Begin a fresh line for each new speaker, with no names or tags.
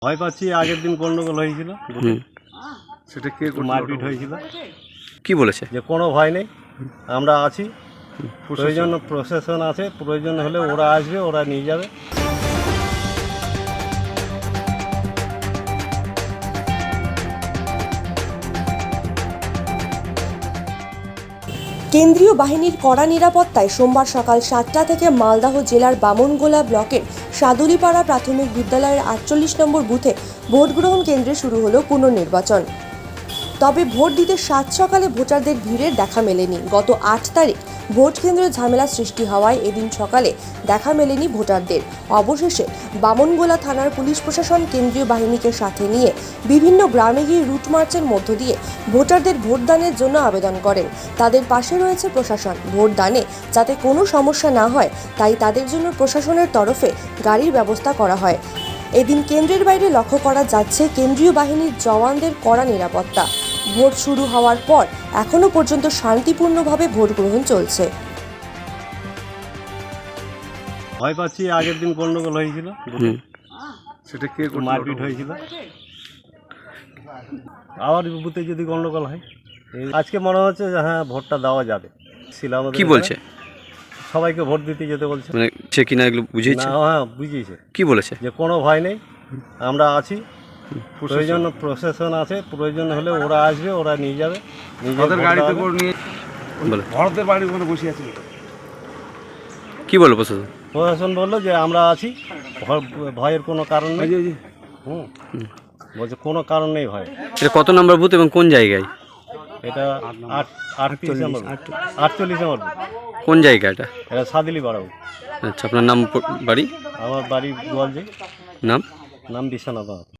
ভয় পাচ্ছি। আগের দিন গন্ডগোল হয়েছিল,
সেটা কে
মারপিট হয়েছিল।
কি বলেছে?
যে কোনো ভয় নেই, আমরা আছি, প্রয়োজন প্রশাসন আছে, প্রয়োজন হলে ওরা আসবে, ওরা নিয়ে যাবে।
কেন্দ্রীয় বাহিনীর কড়া নিরাপত্তায় সোমবার সকাল 7টা থেকে মালদহ জেলার বামনগোলা ব্লকের সাদুলিপাড়া প্রাথমিক বিদ্যালয়ের 48 নম্বর বুথে ভোট গ্রহণ কেন্দ্রে শুরু হলো পুনর্নির্বাচন। তবে ভোট দিতে সাত সকালে ভোটারদের ভিড়ের দেখা মেলেনি। গত 8 তারিখ ভোট কেন্দ্রে ঝামেলা সৃষ্টি হওয়ায় এদিন সকালে দেখা মেলেনি ভোটারদের। অবশেষে বামনগোলা থানার পুলিশ প্রশাসন কেন্দ্রীয় বাহিনীকে সাথে নিয়ে বিভিন্ন গ্রামে গিয়ে রুট মার্চের মধ্য দিয়ে ভোটারদের ভোটদানের জন্য আবেদন করেন। তাদের পাশে রয়েছে প্রশাসন। ভোটদানে যাতে কোনো সমস্যা না হয় তাই তাদের জন্য প্রশাসনের তরফে গাড়ির ব্যবস্থা করা হয়। এদিন কেন্দ্রের বাইরে লক্ষ্য করা যাচ্ছে কেন্দ্রীয় বাহিনীর জওয়ানদের কড়া নিরাপত্তা। ভোট শুরু হওয়ার পর এখনো পর্যন্ত শান্তিপূর্ণভাবে ভোট গ্রহণ চলছে।
ভয় পাচ্ছি। আগের দিন গন্ডগোল হয়েছিল,
সেটা কে
মারপিট হয়েছিল। আবার বুথে যদি গন্ডগোল হয়, আজকে মনে হচ্ছে যে হ্যাঁ ভোটটা দেওয়া যাবে।
কি বলছে?
সবাইকে ভোট দিতে যেতে বলছে।
মানে সে কিনা এগুলো বুঝিয়েছে?
হ্যাঁ বুঝিয়েছে।
কি বলেছে?
যে কোনো ভয় নেই, আমরা আছি, প্রয়োজন প্রশাসন আছে, প্রয়োজন হলে ওরা আসবে, ওরা নিয়ে যাবে।
ওদের গাড়িতে করে নিয়ে
বলে
ভরতের বাড়ির ওখানে বসে আছে।
কি বললো প্রশাসন?
প্রশাসন বললো যে আমরা আছি, ভয়ের কোনো কারণ নেই। বলছে কোনো কারণ নেই ভয়।
এটা কত নম্বর বুথ এবং কোন জায়গায়?
এটা 48 নম্বর, 48 নম্বর।
কোন জায়গা এটা?
এটা সাদিলি পাড়া।
আচ্ছা, আপনার নাম, বাড়ি?
আমার বাড়ি গোয়ালজি।
নাম?
বিশ্বনাথ।